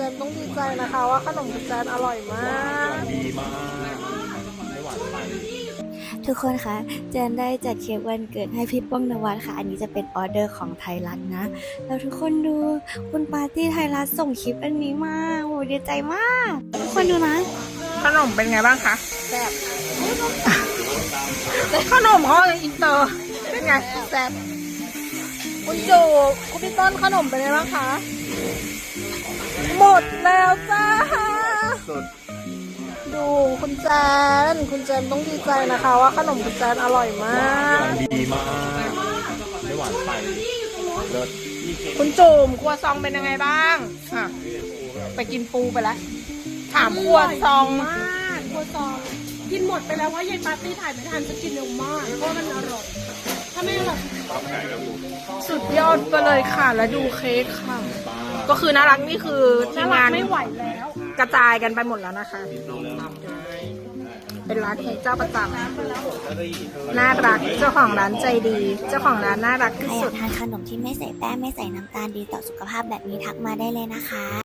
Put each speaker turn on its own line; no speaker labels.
นต้องดีใจนะคะว่าขนมคุณแจนอร่อยมาก
ดีมากไม่หวานไป
ทุกคนคะเจนได้จัดเค้กวันเกิดให้พี่ป้องนวัดค่ะอันนี้จะเป็นออเดอร์ของไทยรัฐนะแล้วทุกคนดูคุณปาร์ตี้ไทยรัฐส่งคลิปอันนี้มาโหดีใจมากทุกคนดูนะ
ขนมเป็นไงบ้างคะแซ่บขนมเขาอินเตอร์เป็นไงแซ่บคุณจูคุณพี่ต้นขนมเป็นไงบ้างคะหมดแล้วจ้า
สุด
ดูคุณแจนต้องดีใจนะคะว่าขนมคุณแจนอร่อยมาก
ดีมากไม่หวานไปเลิศ
คุณจุ่มครัวซองเป็นยังไงบ้างอ่ะไปกินปูไปแล้วถามครัวซอง
มากครัวซองกินหมดไปแล้วว่ายายปาร์ตี้ถ่ายไม่ทันจะกินเร็วมากเพราะมันอร่อยถ้าไม่อร่อย
สุดยอดไปเลยค่ะ แล้วดูเค้กค่ะ ก็คือน่ารักนี่คือทีมงาน
ไม่ไหวแล้ว
กระจายกันไปหมดแล้วนะคะ เป็นร้านเค้กเจ้าประจำน่ารักเจ้าของร้านใจดี เจ้าของร้านน่ารัก
ใคร
ที่
อ
สุ
ยา
ด
กทานขนมที่ไม่ใส่แป้งไม่ใส่น้ำตาลดีต่อสุขภาพแบบนี้ทักมาได้เลยนะคะ